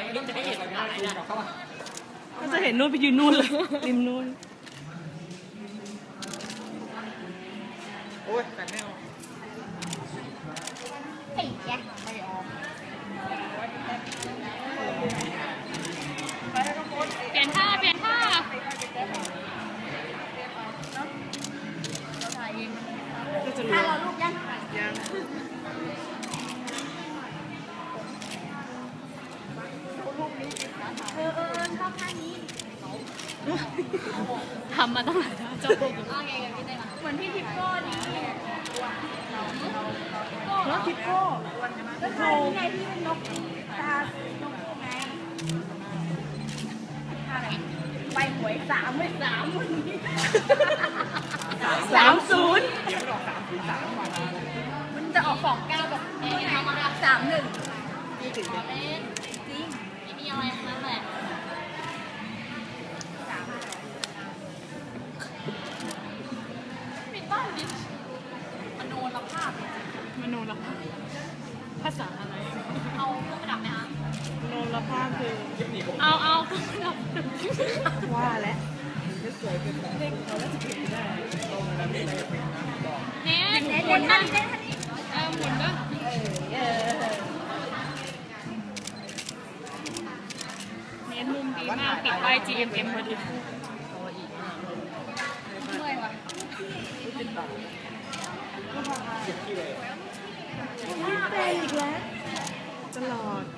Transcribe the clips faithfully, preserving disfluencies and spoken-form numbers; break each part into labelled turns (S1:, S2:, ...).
S1: จะได้เห็นหลายนะ
S2: ก็จะเห็นนู่นไปยืนนู่นเลยริมนู่น
S1: โอ้ยแต่ไม่เอา
S3: ไอ้แจ๊คไม่ออกเปลี่ยนท่าเปลี่ยนท่าถ้าเราลูกยัง
S1: ยัง
S3: เออเออชอบท่านี้
S2: ทำมาตั้งหลายท่าเจ้าพวก
S3: เหมือนพี่ทิปโก้ดี
S2: นกทิปโก้
S3: ก็ท่านี้ไงที่เป็นนกตานกไงท่าไหนไปหวยสามไม่สามวันนี้
S2: สามศูนย์
S1: เดี๋ยวมันออกสามศูนย์สามวัน
S3: มันจะออกสองเก้าแบบเอ๊ะสามหนึ่ง
S1: นี่ถึง
S3: เล่นจริงไม่มีอะไรทั้งนั้นแหละปิดบ้านดิมโนรภาพ
S2: มโนรภาพภาษาอะไร
S3: เอาเครื่องประดับไหมคะ
S2: มโนรภาพคือ
S3: เอาเอาเครื่องประดับ
S2: ว่าแล้ว
S3: เน้นเน้นเน้นท่านี้เน้นท่านี้
S2: เออหมุนด้วย
S3: เออ
S2: เน้นมุมดีมากติดป้าย จี เอ็ม เอ็ม พอดี
S3: เมื่อยว่ะ
S2: เป็นอีกแล้วตลอด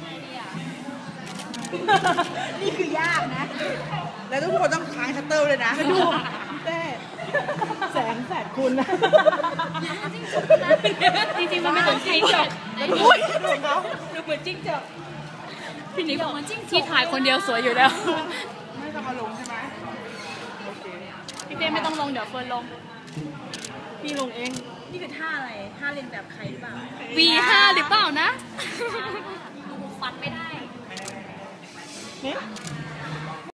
S3: นี่คือยากนะ
S1: แล้วทุกคนต้องค้างชัตเตอร์เลยนะ
S2: ดูเต้แสงแสดคุณนะจริงๆมันไม่ต้องจิ้งจกอุ้ยดูเขาดูเหมือนจิ้งจกพี่นิกบอกว่าจิ้งที่ถ่ายคนเดียวสวยอยู่แล้ว
S1: ไม่ต้องมาลงใช่ไหมโอเค
S2: พี่เต้ไม่ต้องลงเดี๋ยวเฟิร์นลงพี่ลงเอง
S3: นี่คือท่าอะไรท่าเล่นแบบใครหรือเปล่า
S2: วี ห้า หรือเปล่านะ
S3: ดูฟันไม่ได้
S2: เนี่ย